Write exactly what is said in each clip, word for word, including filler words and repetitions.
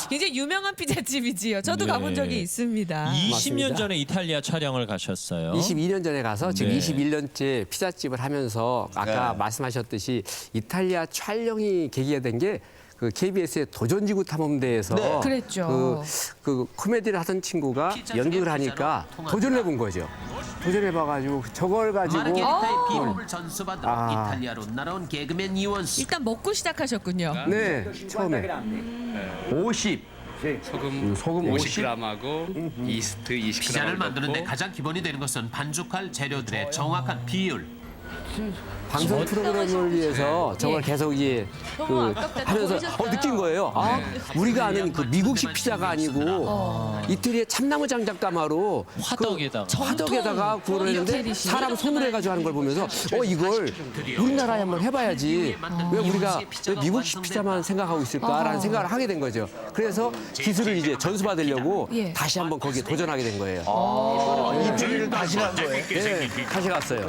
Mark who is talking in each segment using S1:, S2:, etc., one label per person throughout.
S1: 굉장히 유명한 피자집이지요. 저도
S2: 네.
S1: 가본 적이 있습니다.
S2: 이십 년
S3: 맞습니다.
S2: 전에 이탈리아 촬영을 가셨어요.
S3: 이십이 년 전에 가서 지금
S2: 네.
S3: 이십일 년째 피자집을 하면서 아까
S4: 네.
S3: 말씀하셨듯이 이탈리아 촬영이 계기가 된 게 그 케이비에스의 도전지구 탐험대에서
S4: 네.
S1: 그랬죠.
S3: 그, 그 코미디를 하던 친구가 연극을 하니까 도전을 해본 거죠. 도전해봐가지고 저걸 가지고
S5: 마르게리타의 비법을 전수받으러
S3: 아.
S5: 이탈리아로 날아온 개그맨 이원수.
S1: 일단 먹고 시작하셨군요.
S3: 네 처음에
S4: 오십.
S6: 소금,
S3: 소금
S6: 오십 그램하고 이스트 이십 그램
S5: 피자를 만드는데 가장 기본이 되는 것은 반죽할 재료들의 정확한 비율.
S3: 방송 프로그램을 위해서 저걸
S1: 예.
S3: 계속 이제 그
S1: 너무 아깝다. 다
S3: 하면서
S1: 보이셨어요?
S3: 어, 느낀 거예요. 아 우리가 아는 그 미국식 피자가 아니고 이태리의 참나무 장작가마로
S2: 화덕에다가.
S3: 그 화덕에다가 구워를 했는데
S1: 이태리식.
S3: 사람 손으로 해가지고 하는 걸 보면서 어 이걸 우리나라에 한번 해봐야지 왜 우리가 왜 미국식 피자만 생각하고 있을까라는 생각을 하게 된 거죠. 그래서 기술을 이제 전수받으려고
S1: 예.
S3: 다시 한번 거기에 도전하게 된 거예요.
S4: 이태리를 다시 간 거예요.
S3: 네, 다시 갔어요.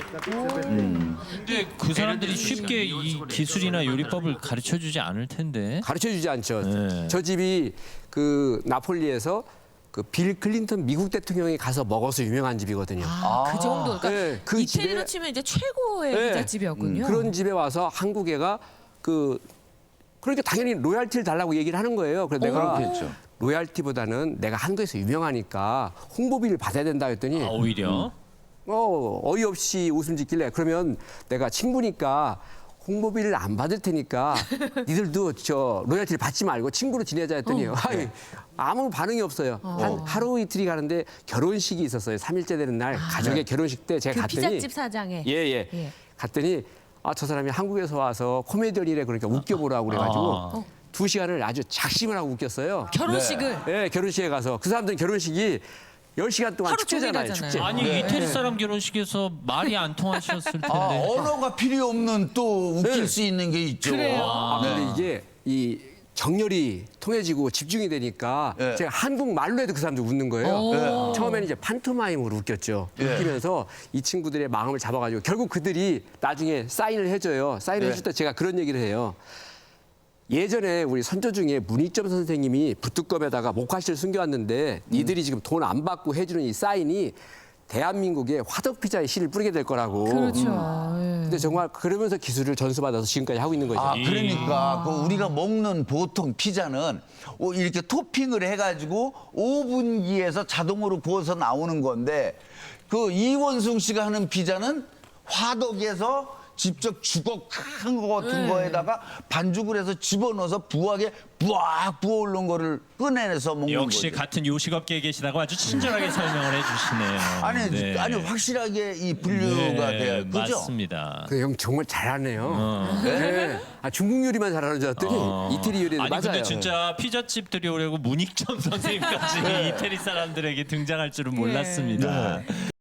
S2: 근데 그 사람들이 쉽게 이 기술이나 요리법을 가르쳐 주지 않을 텐데.
S3: 가르쳐주지 않죠.
S2: 네.
S3: 저 집이 그 나폴리에서 그 빌 클린턴 미국 대통령이 가서 먹어서 유명한 집이거든요.
S1: 아, 그 정도. 그러니까
S3: 네, 그
S1: 이태리로
S3: 집에-
S1: 치면 이제 최고의
S3: 네.
S1: 피자집이었군요.
S3: 그런 집에 와서 한국애가 그 그러니까 당연히 로얄티를 달라고 얘기를 하는 거예요. 그래서 내가
S4: 그렇겠죠.
S3: 로얄티보다는 내가 한국에서 유명하니까 홍보비를 받아야 된다 했더니
S2: 아, 오히려.
S3: 어, 어이없이 웃음 짓길래 그러면 내가 친구니까 홍보비를 안 받을 테니까 니들도 저 로열티를 받지 말고 친구로 지내자 했더니 아이, 아무 반응이 없어요. 한 하루 이틀이 가는데 결혼식이 있었어요. 삼 일째 되는 날 가족의 결혼식 때 제가
S1: 그
S3: 갔더니
S1: 피자집 사장에.
S3: 예, 예.
S1: 예.
S3: 갔더니 아, 저 사람이 한국에서 와서 코미디언이래 그러니까 웃겨보라고 그래가지고
S2: 아.
S3: 두 시간을 아주 작심을 하고 웃겼어요.
S1: 결혼식을.
S3: 예, 결혼식에 가서 그 사람들은 결혼식이 열 시간 동안
S1: 하루 종일
S3: 축제잖아요.
S1: 하잖아요.
S3: 축제.
S2: 아니 이태리 사람 결혼식에서 말이 안 통하셨을 텐데.
S4: 아, 언어가 필요 없는 또 웃길
S3: 네.
S4: 수 있는 게 있죠.
S1: 그래요?
S3: 아, 근데 이게 이 정열이 통해지고 집중이 되니까
S4: 예.
S3: 제가 한국말로 해도 그 사람들 웃는 거예요.
S1: 오.
S3: 처음에는 이제 판토마임으로 웃겼죠.
S4: 예.
S3: 웃기면서 이 친구들의 마음을 잡아가지고 결국 그들이 나중에 사인을 해줘요. 사인을
S4: 예.
S3: 해줄 때 제가 그런 얘기를 해요. 예전에 우리 선조 중에 문희점 선생님이 붓두껍에다가 목화실을 숨겨왔는데 니들이 지금 돈 안 받고 해주는 이 사인이 대한민국의 화덕피자의 씨를 뿌리게 될 거라고.
S1: 그렇죠.
S3: 음. 근데 정말 그러면서 기술을 전수받아서 지금까지 하고 있는 거죠.
S4: 아, 그러니까 그 우리가 먹는 보통 피자는 오- 이렇게 토핑을 해가지고 오븐기에서 자동으로 구워서 나오는 건데 그 이원숭 씨가 하는 피자는 화덕에서 직접 주걱 큰 거 같은 거에다가 반죽을 해서 집어넣어서 부하게 부악 부어오른 거를 꺼내서 먹는
S2: 역시
S4: 거죠.
S2: 같은 요식업계에 계시다고 아주 친절하게 설명을 해주시네요.
S4: 아니,
S2: 네.
S4: 아니 확실하게 이 분류가
S2: 네,
S4: 돼요. 그죠?
S2: 맞습니다.
S3: 그 형 정말 잘하네요. 네. 아, 중국 요리만 잘하는 줄 알았더니 이태리 요리도
S2: 아니
S3: 맞아요.
S2: 근데 진짜 피자집들이 오려고 문익점 선생님까지 이태리 사람들에게 등장할 줄은 몰랐습니다.